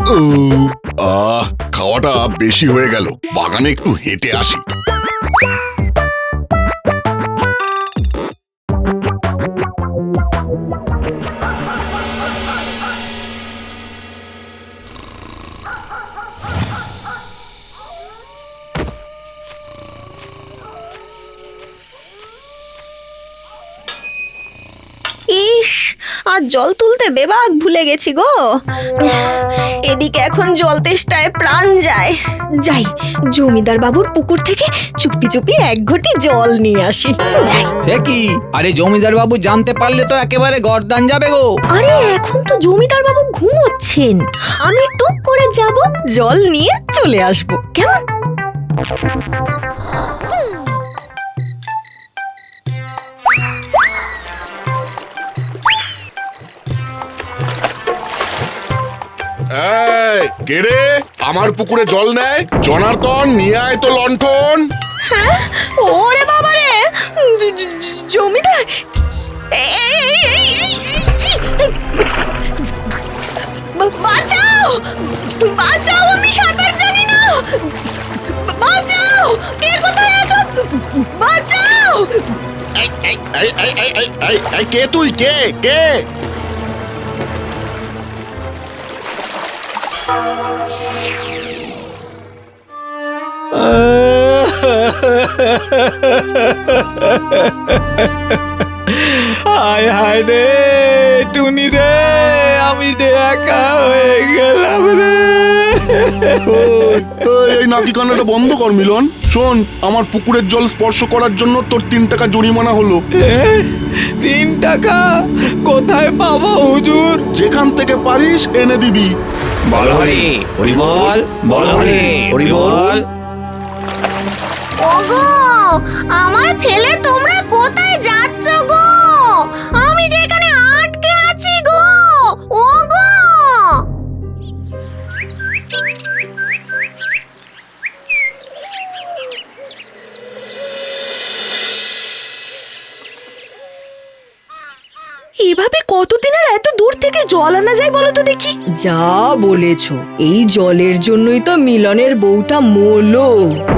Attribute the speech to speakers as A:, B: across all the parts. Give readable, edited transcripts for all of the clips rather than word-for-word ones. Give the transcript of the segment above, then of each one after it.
A: খাওয়াটা বেশি হয়ে গেল, বাগানে একটু হেঁটে আসি।
B: ইস, আর জল তুলতে বেবাক ভুলে গেছি গো। এদিকে এখন জল তেষ্টায় প্রাণ যায়। যাই, জমিদার বাবুর পুকুর থেকে চুপি চুপি এক ঘটি জল নিয়ে আসি। যাই।
C: সে কি? আরে জমিদার বাবু জানতে পারলে তো একেবারে গর্দান যাবে গো।
B: আরে এখন তো জমিদার বাবু ঘুমোচ্ছেন, আমি টুক করে যাব, জল নিয়ে চলে আসবো, কেমন?
A: কে রে আমার পুকুরে জল নেয়? জনার্দন, নিয়ে আয় তো লণ্ঠন।
B: হ্যাঁ, ওরে বাবা রে, জমিদার! বাঁচাও, বাঁচাও, আমি সাঁতার জানি না, বাঁচাও, কে কোথায় আছো, বাঁচাও!
A: কে তুই? কে কে?
C: হায় হায় রে টুনি রে, আমি যে একা হয়ে গেলাম রে।
A: এই নাকি কান্নাটা বন্ধ কর মিলন। শোন, আমার পুকুরের জল স্পর্শ করার জন্য তোর 3 টাকা জরিমানা হলো।
C: 3 টাকা কোথায় পাবো হুজুর?
A: যেখান থেকে পারিস এনে দিবি।
C: বল হরি হরি বল, বল হরি হরি বল।
B: ওগো, আমায় ফেলে তোমরা কোথায় যাচ্ছ গো? আমি যে এখানে আটকে আছি গো, ওগো!
D: এভাবে কতদিন আর এত দূর থেকে জল আনা যায় বলো তো দেখি? যা বলেছো, এই জলের জন্যই তো মিলনের বউটা মরলো।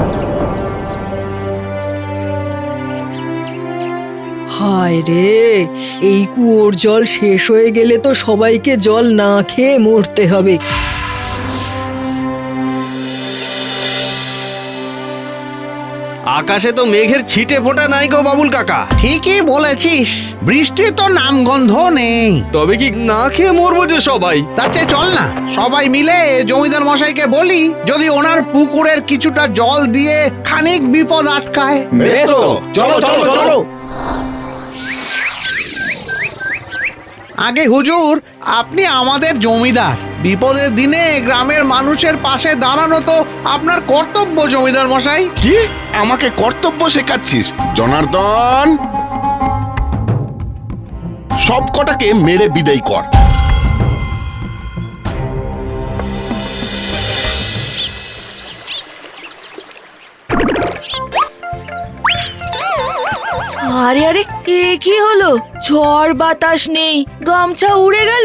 D: হায় রে, এই কুয়োর জল শেষ হয়ে গেলে তো সবাইকে জল না খেয়ে মরতে হবে।
E: আকাশে তো মেঘের ছিটে ফোঁটা নাই গো বাবুল কাকা।
F: ঠিকই বলেছিস, বৃষ্টির তো নামগন্ধ নেই।
E: তবে কি না খেয়ে মরবো যে সবাই?
F: তার চেয়ে চল না, সবাই মিলে জমিদার মশাইকে বলি যদি ওনার পুকুরের কিছুটা জল দিয়ে খানিক বিপদ আটকায়।
E: বেশ তো, চলো চলো চলো।
F: আগে হুজুর, আপনি আমাদের জমিদার, বিপদের দিনে গ্রামের মানুষের পাশে দাঁড়ানো তো আপনার কর্তব্য জমিদার মশাই।
A: কি আমাকে কর্তব্য শেখাচ্ছিস? জনার্দন, সব কটাকে মেরে বিদায় কর।
D: আরে আরে, এ কি হলো? ঝড় বাতাস নেই, গামছা উড়ে গেল।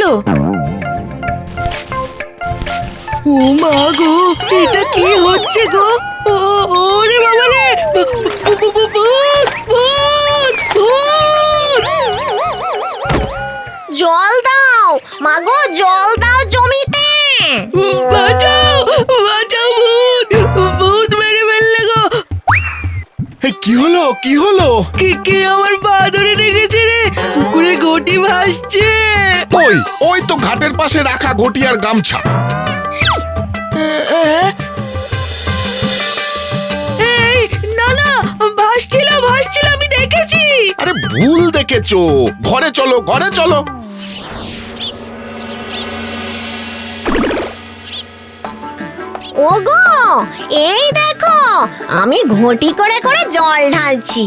D: ও মা গো, এটা কি হচ্ছে গো? ওরে বাবা রে,
B: জল দাও মাগো, জল দাও জমিতে।
D: বাঁচাও, বাঁচাও, ভূত, ভূত মেরে ফেললে গো।
A: কি হলো? কি হলো?
D: কে আমার পা ধরে রেখেছে রে? পুকুরে ঘটি ভাসছে।
A: ওই ওই তো ঘাটের পাশে রাখা ঘটি আর গামছা।
D: এই না না, ভাসছিল ভাসছিল, আমি দেখেছি।
A: আরে ভুল দেখেছো, ঘরে চলো, ঘরে চলো।
B: ওগো, এই দেখো, আমি ঘটি করে করে জল ঢালছি।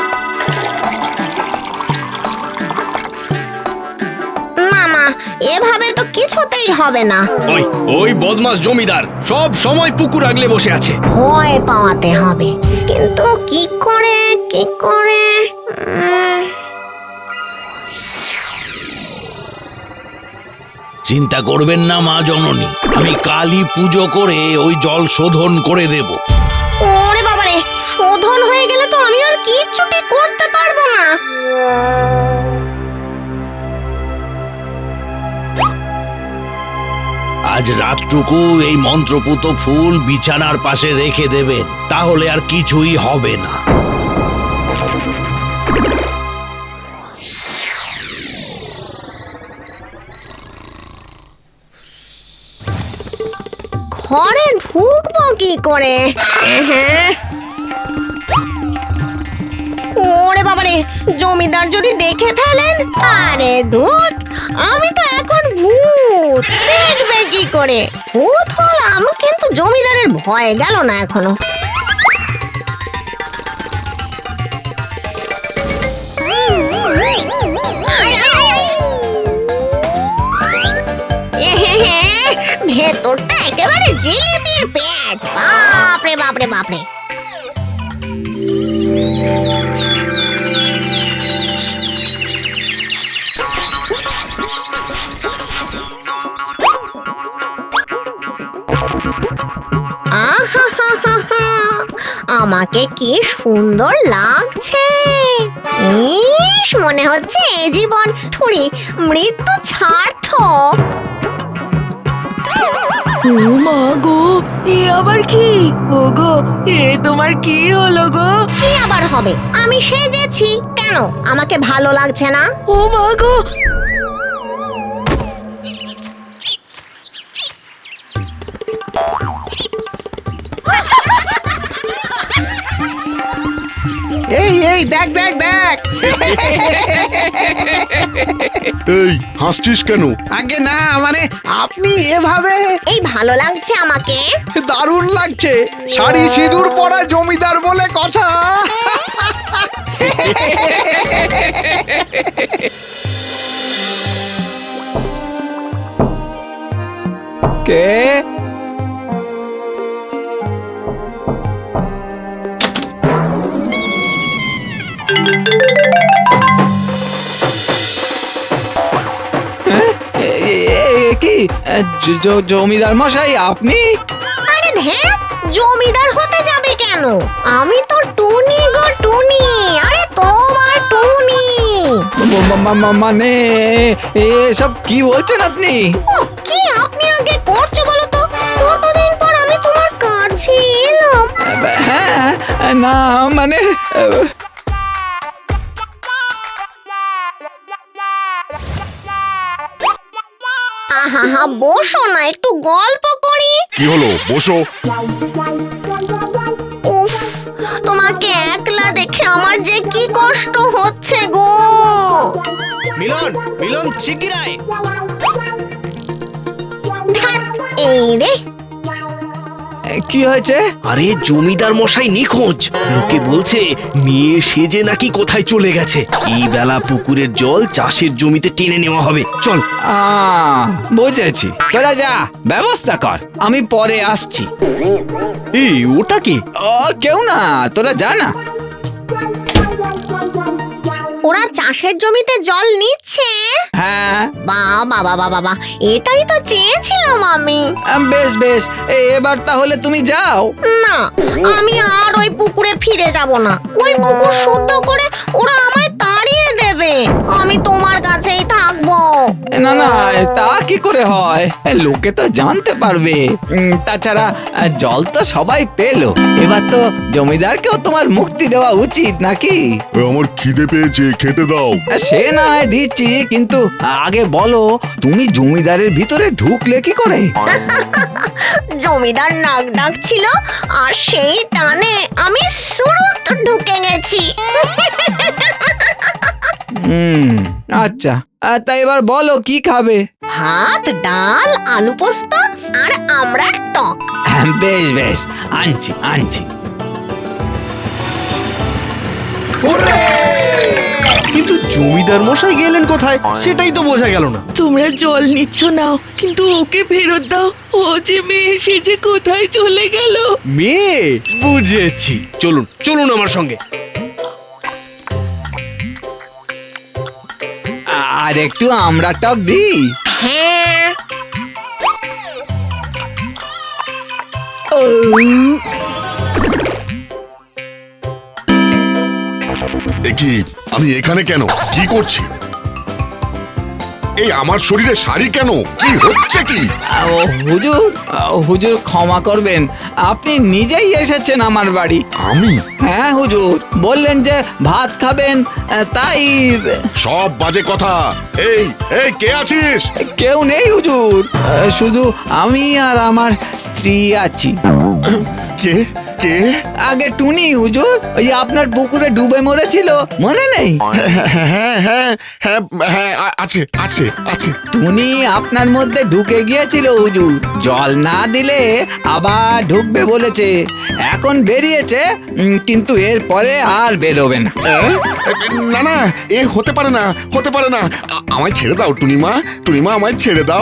B: মামা, এভাবে তো কিছুতেই হবে না।
E: ওই ওই বদমাস জমিদার সব সময় পুকুর আগলে বসে আছে।
B: ভয় পাওয়াতে হবে, কিন্তু কি করে কি করে?
E: চিন্তা করবেন না মা জননী, আমি কালই পুজো করে ওই জল শোধন করে দেব।
B: ওরে বাবারে, শোধন হয়ে গেলে তো আমি আর কিচ্ছুটি করতে পারবো না।
E: আজ রাতটুকু এই মন্ত্রপুত ফুল বিছানার পাশে রেখে দেবেন, তাহলে আর কিছুই হবে না।
B: ঘরে ঢুকবো কি করে? ওরে বাবারে, জমিদার যদি দেখে ফেলেন, আরে ধুত, আমি তো এখন ভূত, দেখবে কি করে? ভূত হলাম কিন্তু জমিদারের ভয় গেল না এখনো। ভেতরটা একেবারে জিলিপির পেঁয়াজ, বাপরে বাপরে বাপরে। আহাহাহাহা, আমাকে কি সুন্দর লাগছে। ইস, মনে হচ্ছে এ জীবন থুড়ি মৃত্যু সার্থক।
D: ও মা গো, এ আবার কি? ও গো, এ তোমার কি হলো গো?
B: কি আবার হবে? আমি সেজেছি। কেন, আমাকে ভালো লাগছে না?
D: ও মা গো,
F: এই এই দেখ দেখ দেখ।
A: এই হাসছিস কেন?
F: আগে না, মানে আপনি এভাবে
B: এই ভালো লাগছে আমাকে।
F: দারুণ লাগছে। শাড়ি সিঁদুর পরা জমিদার বলে কথা।
C: কে? কি জমিদার মশাই আপনি?
B: আরে ধ্যাত, জমিদার হতে যাবে কেন? আমি তো টুনি গো, টুনি। আরে তোমার টুনি।
C: মানে এসব কি বলছেন আপনি?
B: ও, কি আপনি আগে করছো বলো তো? কতদিন পর আমি তোমার কাছে এলাম।
C: হ্যাঁ, না মানে
B: আহা, বসো না, একটু গল্প করি।
A: কি হলো, বসো।
B: উফ, তোমাকে একলা দেখে আমার যে কি কষ্ট হচ্ছে গো।
E: মিলন, মিলন শিগগির আয়।
B: ধ্যাৎ, এই রে।
C: কি হয়েছে?
E: আরে জমিদার মশাই নিখোঁজ। লোকে বলছে মেয়ে সেজে নাকি কোথায় চলে গেছে। এই বেলা পুকুরের জল চাষের জমিতে টেনে নেওয়া হবে। চল।
C: বুঝেছি, তোরা যা, ব্যবস্থা কর, আমি পরে আসছি।
E: এই ওটা কি?
C: কেউ না, তোরা যা না।
B: ওরা চাষের জমিতে জল নিচ্ছে।
C: হ্যাঁ,
B: বাবা বাবা বাবা, এটাই তো চেয়েছিলাম আমি।
C: বেশ বেশ, এবার তাহলে তুমি যাও।
B: না, আমি আর ওই পুকুরে ফিরে যাব না। ওই পুকুর শুদ্ধ করে ওরা আমায় তাড়িয়ে দেবে। আমি তোমার কাছেই থাকবো।
C: না না, তা কি করে হয়? লোকে তো জানতে পারবে। তাছাড়া জল তো সবাই পেলো, এবার তো জমিদারকেও তোমার মুক্তি দেওয়া উচিত নাকি?
A: আমার খিদে পেয়েছে, খেতে দাও।
C: সে না হয় দিচ্ছি, কিন্তু আগে বলো তুমি জমিদারের ভিতরে ঢুকলে কি করে?
B: জমিদার নাক ডাকছিল আর সেই টানে আমি সুরুত ঢুকে গেছি।
C: আচ্ছা, তা এবার বলো কি খাবে?
B: ভাত, ডাল, আলু পোস্ত আর আমরা টক।
C: বেশ বেশ, আনছি আনছি।
E: কিন্তু জমিদার মশাই গেলেন কোথায় সেটাই তো বোঝা গেল না।
D: তোমরা জল নিচ্ছ নাও, কিন্তু ওকে ফেরত দাও। ও যে মেয়ে, সে যে কোথায় চলে গেল।
E: মেয়ে? বুঝেছি, চলুন চলুন আমার সঙ্গে।
C: আর একটু আমরা টক দিই।
B: হ্যাঁ,
A: এ কি, আমি এখানে কেন? কি করছি? এই আমার শরীরে শাড়ি কেন? কি হচ্ছে কি?
C: হুজুর, হুজুর ক্ষমা করবেন, আপনি নিজেই এসেছেন আমার বাড়ি।
A: আমি?
C: হ্যাঁ হুজুর, বললেন যে ভাত খাবেন, তাই।
A: সব বাজে কথা। এই এই কে আছিস?
C: কেউ নেই হুজুর, শুধু আমি আর আমার স্ত্রী আছি।
A: কে কে?
C: আগে টুনি হুজুর, ওই আপনার পুকুরে ডুবে মরেছিল, মনে নেই?
A: হ্যাঁ হ্যাঁ হ্যাঁ হ্যাঁ আছে আছে আছে।
C: টুনি আপনার মধ্যে ঢুকে গিয়েছিল হুজুর, জল না দিলে আবার ঢুকবে বলেছে। এখন বেরিয়েছে, কিন্তু এরপরে আর বেরোবে না।
A: না না, এ হতে পারে না, হতে পারে না। আমায় ছেড়ে দাও টুনিমা, টুনিমা আমায় ছেড়ে দাও।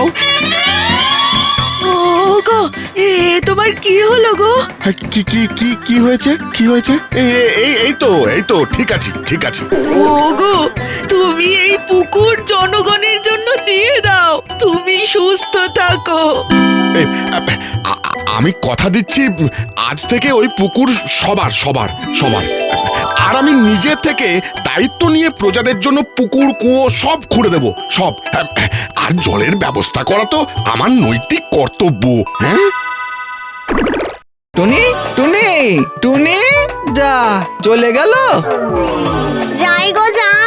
D: ও গো, তোমার কি হলো গো?
A: কি কি কি কি হয়েছে? কি হয়েছে? এই তো ঠিক আছে ঠিক আছে।
D: ও গো, তুমি এই পুকুর জনগণের জন্য দিয়ে দাও, তুমি সুস্থ থাকো।
A: এ, আমি কথা দিচ্ছি, আজ থেকে ওই পুকুর সবার সবার সবার। আর আমি নিজে থেকে দায়িত্ব নিয়ে প্রজাদের জন্য পুকুর কুয়ো সব খুঁড়ে দেব, সব। আর জলের ব্যবস্থা করা তো আমার নৈতিক কর্তব্য। হ্যাঁ,
C: টুনি টুনি টুনি, যা চলে গেল।
B: যাই গো যাই।